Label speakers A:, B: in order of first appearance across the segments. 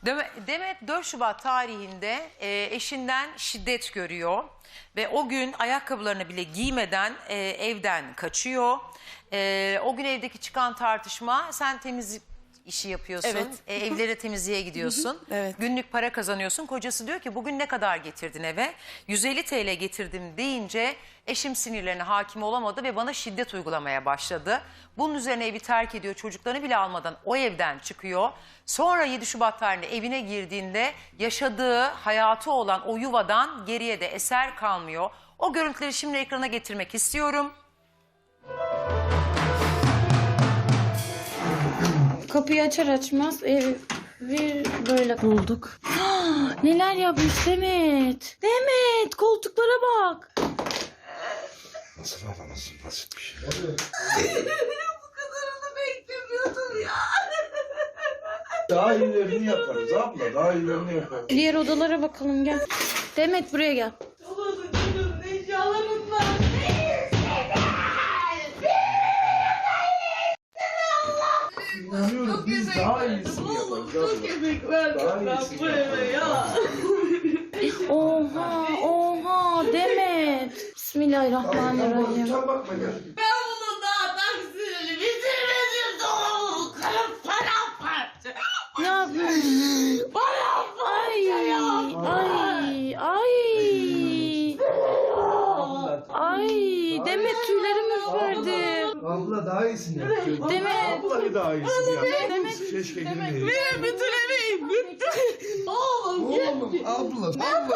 A: Demet 4 Şubat tarihinde eşinden şiddet görüyor ve o gün ayakkabılarını bile giymeden evden kaçıyor. O gün evdeki çıkan tartışma, sen temizlik işi yapıyorsun,
B: Evet.
A: Evlere temizliğe gidiyorsun,
B: Evet.
A: günlük para kazanıyorsun. Kocası diyor ki bugün ne kadar getirdin eve? 150 TL getirdim deyince eşim sinirlerine hakim olamadı ve bana şiddet uygulamaya başladı. Bunun üzerine evi terk ediyor, çocuklarını bile almadan o evden çıkıyor. Sonra 7 Şubat tarihinde evine girdiğinde yaşadığı hayatı olan o yuvadan geriye de eser kalmıyor. O görüntüleri şimdi ekrana getirmek istiyorum.
C: Kapıyı açar açmaz evi böyle bulduk. Neler yapmış Demet? Demet, koltuklara bak.
D: Nasıl alamazsın, nasıl bir şey?
E: Bu kadarını beklemiyordum ya.
D: Daha iyilerini yaparız abla, daha iyilerini yaparız.
C: Diğer odalara bakalım, gel. Demet, buraya gel.
E: Allah'ım canım, inşallah bunlar.
D: İnanıyorum biz daha iyisini yaparız abla.
E: Çok emek verdim ben bu eve ya.
C: Oha Demet. Bismillahirrahmanirrahim.
D: Sen bakma gel.
E: Ben bunun daha taksirini bitirmedim doğum. Karım paramparça.
C: Ne yapıyorsun?
E: Paramparça ya.
C: Ay, Demet, tüylerim ürperdi.
D: Abla daha iyisini yapıyor.
C: Demet.
D: Abla daha iyisini yapıyor. Keşke girmeyelim.
E: Benim bütün emeğim bitti. Oğlum
D: Oğlum abla.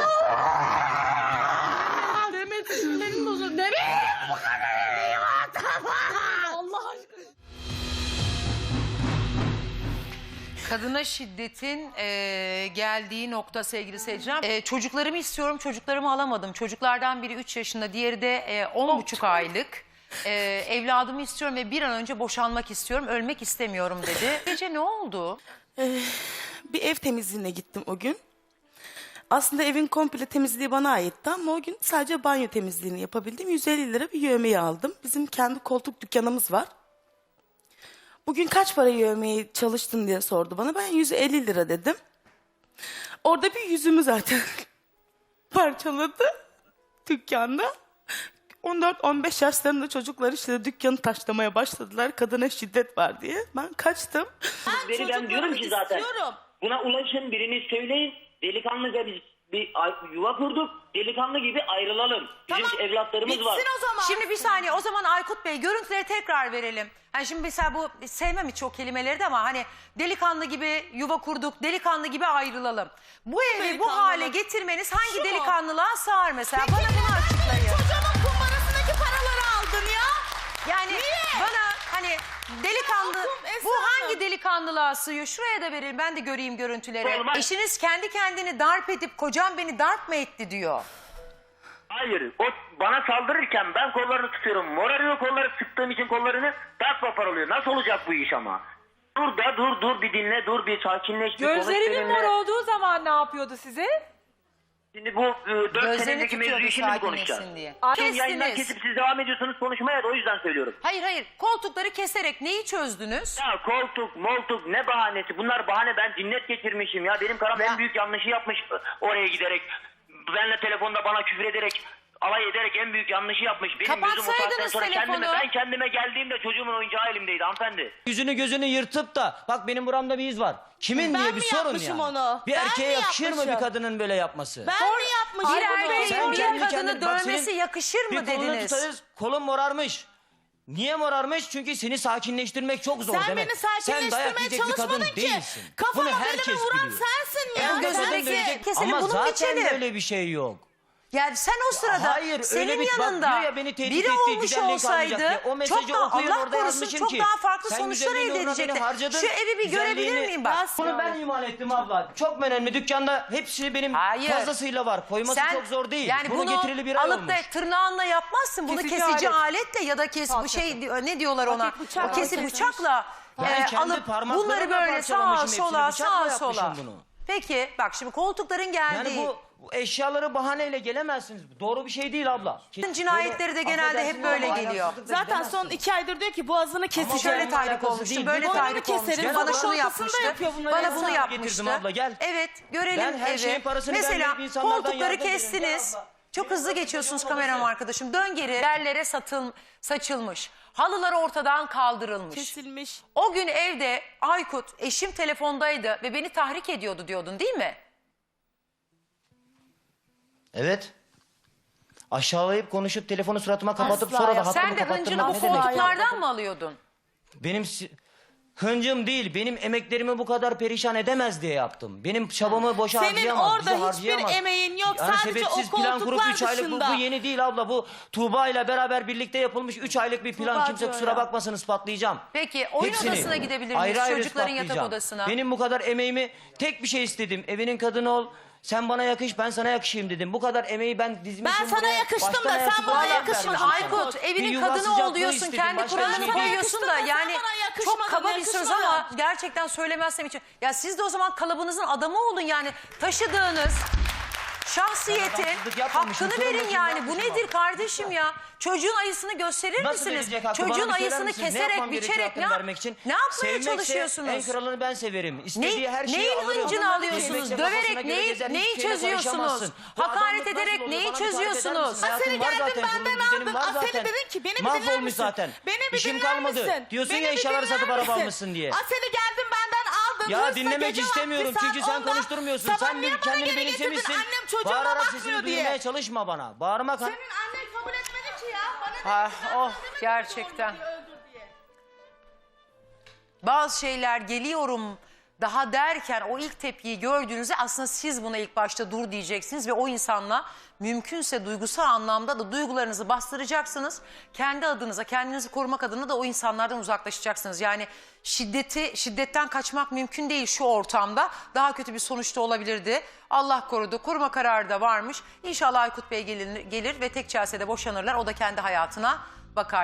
C: Demet, tüylerim bozuldu. Demet.
E: bu kadar emeğim var.
C: Allah aşkına.
A: Kadına şiddetin geldiği nokta sevgili seyirciler. Çocuklarımı istiyorum, çocuklarımı alamadım. Çocuklardan biri 3 yaşında, diğeri de 10,5 aylık. Evladımı istiyorum ve bir an önce boşanmak istiyorum, ölmek istemiyorum dedi. Gece ne oldu?
B: Bir ev temizliğine gittim o gün. Aslında evin komple temizliği bana aitti ama o gün sadece banyo temizliğini yapabildim. 150 lira bir yövmeyi aldım. Bizim kendi koltuk dükkanımız var. Bugün kaç para yövmeye çalıştın diye sordu bana. Ben 150 lira dedim. Orada bir yüzümü zaten parçaladı dükkanda. 14-15 yaşlarında çocuklar işte dükkanı taşlamaya başladılar. Kadına şiddet var diye. Ben kaçtım.
F: Ben diyorum ki zaten buna ulaşın, birini söyleyin, delikanlıca biz bir yuva kurduk, delikanlı gibi ayrılalım. Bizim evlatlarımız var.
B: o zaman.
A: Şimdi bir saniye, o zaman Aykut Bey görüntüleri tekrar verelim. Hani şimdi mesela bu, sevmem hiç o kelimeleri de ama hani delikanlı gibi yuva kurduk, delikanlı gibi ayrılalım. Bu evi bu hale getirmeniz hangi delikanlılığa sığar mesela? Bana bunu açıklayın.
B: Çocuğumun kumbarasındaki paraları aldın ya.
A: Yani bana hani delikanlı,
B: Esra
A: bu hangi
B: Hanım.
A: delikanlılığa sığıyor? Şuraya da verelim, ben de göreyim görüntüleri.
F: Olmaz.
A: Eşiniz kendi kendini darp edip kocam beni darp mı etti diyor.
F: Hayır, o bana saldırırken ben kollarını tutuyorum. Morarıyor kolları, sıktığım için kollarını darp vapar oluyor. Nasıl olacak bu iş ama? Dur bir dinle, dur bir sakinleş. Bir konuş
G: Gözlerimin
F: benimle.
G: mor olduğu zaman ne yapıyordu size?
F: Şimdi bu 4
A: Gözlerini
F: senedeki mevzuyu
A: tutuyordu
F: şimdi mi konuşacağız?
A: sakinleşsin diye.
F: Tüm yayından
A: Kestiniz.
F: kesip siz devam ediyorsunuz konuşmaya da o yüzden söylüyorum.
A: Hayır, koltukları keserek neyi çözdünüz?
F: Ya koltuk, moltuk ne bahanesi? Bunlar bahane, ben cinnet geçirmişim ya. Benim karım en büyük yanlışı yapmış oraya giderek. Benle telefonda bana küfür ederek, alay ederek en büyük yanlışı yapmış. Benim yüzüm o saatten
A: Kapatsaydınız
F: sonra
A: telefonu.
F: ben kendime geldiğimde çocuğumun oyuncağı elimdeydi hanımefendi.
H: Yüzünü gözünü yırtıp da bak benim buramda bir iz var. Kimin
B: Ben
H: diye bir
B: mi
H: sorun
B: yapmışım
H: yani.
B: onu?
H: Bir
B: Ben
H: erkeğe
B: mi
H: yakışır mı
B: yapmışım?
H: bir kadının böyle yapması?
B: Ben mi yapmışım?
A: Bir erkeğin
H: Sen
A: bir
H: kendi
A: kadını
H: kendine- bak
A: dövmesi
H: senin
A: yakışır mı
H: bir kolunu
A: dediniz?
H: tutarız, kolun morarmış. Niye morarmış? Çünkü seni sakinleştirmek çok zor
B: Sen
H: demek.
B: beni
H: Sen dayak
B: sakinleştirmeye
H: yiyecek bir kadın
B: çalışmadın ki.
H: değilsin.
B: Kafama
H: Bunu
B: böyle
H: herkes
B: bir vuran
H: biliyor.
B: sensin ya.
A: En gözündeki-
H: Kadın
B: Sensin.
H: dövecek
A: Keselim,
H: ama
A: bunu
H: zaten
A: geçelim.
H: böyle bir şey yok.
A: Yani sen o sırada
H: Hayır,
A: senin
H: öyle bir bak
A: yanında
H: diyor ya, beni tehdit
A: biri
H: etti,
A: olmuş
H: güzellik
A: olsaydı
H: almayacak diye. O mesajı
A: çok daha,
H: okuyun,
A: Allah
H: orada
A: korusun,
H: yazmışım
A: çok
H: ki,
A: daha farklı
H: sen
A: sonuçlar
H: güzelliğini
A: elde
H: uğruna beni
A: edecekti.
H: harcadın,
A: Şu evi bir görebilir
H: güzelliğini-
A: miyim bak?
H: Bunu ben imal ettim abla. Çok önemli. Dükkanda hepsini benim
A: Hayır.
H: fazlasıyla var. Koyması
A: Sen,
H: çok zor değil.
A: Yani
H: bunu getirili bir ay
A: alıp
H: olmuş.
A: da tırnağınla yapmazsın. Bunu
G: Kesici
A: kesici
G: alet.
A: aletle ya da bu şey ne diyorlar ona?
B: Hafif bıçakla
A: O kesip
B: kesilmiş.
A: bıçakla
H: Ben kendi
A: alıp
H: parmaklarımla
A: bunları böyle sağa
H: parçalamışım hepsini,
A: sola
H: bıçakla
A: sağa sola.
H: yapmışım bunu.
A: Peki bak şimdi koltukların geldiği.
H: Yani bu Bu eşyaları bahaneyle gelemezsiniz. Doğru bir şey değil abla.
A: Cinayetleri de genelde hep böyle geliyor.
B: Zaten son 2 aydır diyor ki boğazını keseceğim.
A: Şöyle tahrik
H: alakası
A: olmuştu,
H: değil.
A: böyle
B: Boynunu
A: tahrik olmuştu.
B: keserim.
A: Bana
B: Sabah
A: şunu
B: ortasında
A: yapmıştı.
B: yapıyor bunları.
A: Bana
B: Ben
A: bunu
B: sana
A: yapmıştı.
H: getirdim abla, gel.
A: Evet, görelim
H: Ben her
A: evi.
H: şeyin parasını
A: Mesela
H: vermeyip insanlardan
A: koltukları
H: yardım ederim.
A: kestiniz. Çok hızlı geçiyorsunuz kameram arkadaşım. Dön geri. Yerlere saçılmış. Halılar ortadan kaldırılmış.
B: Kesilmiş.
A: O gün evde Aykut eşim telefondaydı ve beni tahrik ediyordu diyordun değil mi?
H: Evet. Aşağılayıp konuşup telefonu suratıma kapatıp
B: Asla
H: sonra da
B: ya.
H: hattımı
A: Sen de
H: kapattırmak
A: hıncını bu
H: ne demek?
A: koltuklardan mı alıyordun?
H: Benim hıncım değil, benim emeklerimi bu kadar perişan edemez diye yaptım. Benim çabamı boşa
B: Senin
H: harcayamaz,
B: orada
H: bizi
B: hiçbir
H: harcayamaz.
B: emeğin yok. Sadece o
H: sebetsiz plan kurup
B: koltuklar
H: 3 aylık
B: dışında.
H: bu yeni değil abla. Bu Tuğba ile beraber birlikte yapılmış 3 aylık bir plan.
B: Tuğba
H: Kimse
B: diyor
H: kusura
B: ya.
H: bakmasın, ispatlayacağım.
A: Peki oyun
H: Hepsini.
A: odasına gidebilir miyiz?
H: Ayrı ayrı
A: Çocukların yatak
H: ispatlayacağım.
A: odasına.
H: Benim bu kadar emeğimi tek bir şey istedim. Evinin kadını ol. Sen bana yakış, ben sana yakışayım dedim. Bu kadar emeği ben dizmişim.
B: Ben sana
H: buraya.
B: yakıştım
H: Baştan
B: da
H: ayağa
B: sen bana
H: sıfırdan
B: yakışmadın.
H: vermişim.
A: Aykut
H: Bir
A: evinin
H: yuva
A: kadını ol
H: sıcaklığı
A: diyorsun,
H: istedim,
A: kendi
H: başka
A: kuralını
H: bir şey değil.
A: koyuyorsun da
B: Yakıştın da
A: yani
B: sen bana yakışmadın,
A: çok kaba bir söz
B: yakışmadın.
A: ama gerçekten söylemezsem için. Ya siz de o zaman kalıbınızın adamı olun yani taşıdığınız şahsiyetin
H: adamsızlık yapmamışım,
A: hakkını verin
H: sorumlusunu
A: yani. Bu
H: yapmışım
A: nedir
H: abi.
A: kardeşim ya? Çocuğun ayısını gösterir
H: Nasıl
A: misiniz?
H: verecek hakkı? Bana
A: Çocuğun
H: bir söyler
A: ayısını
H: misiniz? Ne
A: keserek,
H: yapmam gerekiyor
A: biçerek
H: hakkını vermek için?
A: ne yapmaya
H: Sevmekse
A: çalışıyorsunuz?
H: en kralını ben severim. İstediği her şeyi
A: Neyin
H: alırım.
A: hıncını alıyorsunuz?
H: Sevmekle kafasına
A: Döverek
H: göre gezer,
A: neyi
H: hiçbir şeyle
A: çözüyorsunuz?
H: karışamazsın. Bu
A: Hakaret
H: adamlık nasıl
A: ederek
H: oluyor?
A: neyi
H: Bana bir tarif eder
A: çözüyorsunuz?
H: misin? Hayatım
B: Aseli
H: var
B: geldin
H: zaten,
B: benden
H: kurulu düzenim
B: aldın.
H: var
B: Aseli
H: zaten.
B: dedin ki beni bir dinler
H: Mahvolmuş
B: misin?
H: zaten.
B: Beni bir
H: İşim
B: dinler
H: kalmadı.
B: misin?
H: Diyorsun
B: Beni
H: ya
B: bir
H: eşyaları
B: dinler
H: satıp araba
B: misin?
H: almışsın diye.
B: Aseli geldin benden aldın.
H: Ya
B: Hırsla
H: dinlemek
B: gece
H: istemiyorum
B: vakti
H: çünkü
B: saat
H: sen
B: 10'da.
H: konuşturmuyorsun. Sen
B: niye bana
H: kendini
B: geri getirdin?
H: benimsemişsin.
B: Annem çocuğuma
H: Bağırarak
B: bakmıyor
H: sesini
B: diye.
H: duyurmaya çalışma bana. Bağırmak
B: Senin annen kabul etmedi ki ya. Bana
A: Ah,
B: dedi ki, ben
A: oh,
B: sana demedim
A: gerçekten.
B: ki öldür diye.
A: Bazı şeyler geliyorum daha derken o ilk tepkiyi gördüğünüzde aslında siz buna ilk başta dur diyeceksiniz ve o insanla mümkünse duygusal anlamda da duygularınızı bastıracaksınız. Kendi adınıza, kendinizi korumak adına da o insanlardan uzaklaşacaksınız. Yani şiddetten kaçmak mümkün değil şu ortamda. Daha kötü bir sonuçta olabilirdi. Allah korudu. Koruma kararı da varmış. İnşallah Aykut Bey gelir ve tek çelsede boşanırlar. O da kendi hayatına bakar.